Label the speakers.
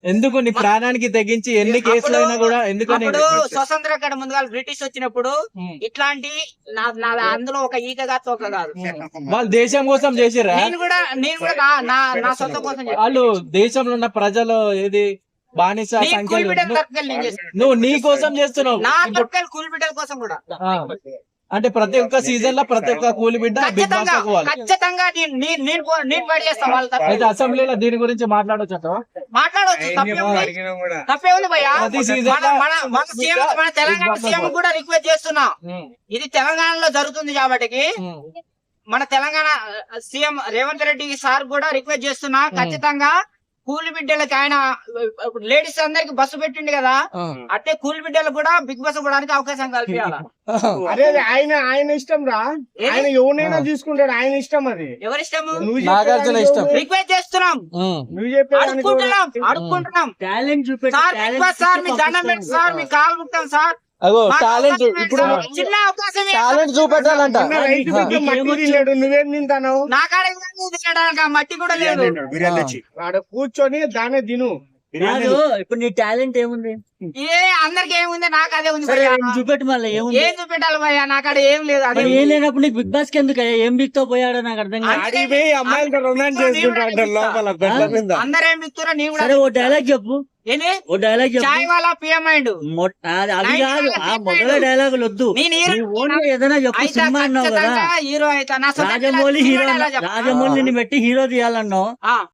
Speaker 1: ఎందుకు నీ ప్రాణానికి తెగించి ఎన్ని కేసులు అయినా కూడా ఎందుకని
Speaker 2: అప్పుడు స్వతంత్ర కడ ముందుగా బ్రిటిష్ వచ్చినప్పుడు ఇట్లాంటి అందులో ఒక ఈకగా తోక కాదు.
Speaker 1: వాళ్ళు దేశం కోసం చేసిరా?
Speaker 2: నేను కూడా నా సొంత కోసం చేశాను.
Speaker 1: వాళ్ళు దేశంలో ఉన్న ప్రజలు ఏది బానిస సంఖ్యలు నువ్వు నీ కోసం చేస్తున్నావు.
Speaker 2: నా తరపుకెళ్ళి కూలి బిడ్డల కోసం కూడా
Speaker 1: అంటే ప్రతి ఒక్క సీజన్ లో ప్రతి ఒక్క కూలి బిడ్డ బిగ్ బాస్ లో పోవాలి.
Speaker 2: ఖచ్చితంగా నేను పడి చేస్తాను వాళ్ళ తరపున.
Speaker 1: అయితే అసెంబ్లీలో దీని గురించి మాట్లాడొచ్చు.
Speaker 2: మాట్లాడవచ్చు, తప్పేముంది భయ్యా.
Speaker 1: ప్రతి సీజన్ లో
Speaker 2: మన తెలంగాణ సీఎం కూడా రిక్వెస్ట్ చేస్తున్నా, ఇది తెలంగాణలో జరుగుతుంది కాబట్టి మన తెలంగాణ సీఎం రేవంత్ రెడ్డి సార్ కూడా రిక్వెస్ట్ చేస్తున్నా, ఖచ్చితంగా కూలి బిడ్డలకి ఆయన లేడీస్ అందరికి బస్సు పెట్టిండు కదా, అంటే కూలి బిడ్డలకు కూడా బిగ్ బస్ పోవడానికి అవకాశం కల్పించాలి.
Speaker 3: అదే ఆయన ఇష్టం రా, ఆయన ఎవరినైనా తీసుకుంటాడు, ఆయన ఇష్టం. అది
Speaker 2: ఎవరిష్టము?
Speaker 1: నాగార్జున ఇష్టం.
Speaker 2: రిక్వెస్ట్ చేస్తున్నాం,
Speaker 3: నువ్వు చెప్పే
Speaker 2: అడుక్కుంటున్నాం సార్, బిగ్ బాస్ సార్ మీ దండం పెట్టి సార్, మీ కాలు ముక్తాం సార్.
Speaker 1: అగో టాలెంట్ ఇప్పుడు
Speaker 2: చిన్న అవకాశం
Speaker 1: టాలెంట్ చూపెట్టాలంట.
Speaker 3: నువ్వేం తింటాను?
Speaker 2: నా కాడ తినడానికి ఆ మట్టి కూడా లేదు.
Speaker 3: ఆడ కూర్చొని దానే తిను.
Speaker 4: ఇప్పుడు నీ టాలెంట్ ఏముంది?
Speaker 2: అందరికి ఏముంది, నాకు అదే ఉంది భయ్యా.
Speaker 4: చూపెట్టు మళ్ళీ ఏముంది?
Speaker 2: ఏం చూపెట్టాలి భయ్యా, నాకు అక్కడ ఏం లేదు. అదే
Speaker 4: ఏం లేనప్పుడు నీకు బిగ్ బాస్ కి ఎందుకు ఏం బిగ్తో పోయాడో నాకు అర్థం కాదు.
Speaker 3: అమ్మాయిలతో రొమాన్స్ చేసుకుంటాడు లోపల బెడ్ల మీద.
Speaker 2: అందరూ ఏం బిక్తురా, నీ కూడా.
Speaker 4: సరే ఓ డైలాగ్ చెప్పు,
Speaker 2: ఏంటి?
Speaker 4: ఓ డైలాగ్ చెప్పు.
Speaker 2: చాయ్ వాళ్ళ పిఎం అయిండు.
Speaker 4: అది కాదు, ఆ మొదల డైలాగులు వద్దు, ఓన్లీ ఏదైనా చెప్పు. సినిమా అన్నావు కదా,
Speaker 2: హీరో అయితే
Speaker 4: రాజమౌళి హీరో, రాజమౌళిని పెట్టి హీరో తీయాలన్నావు,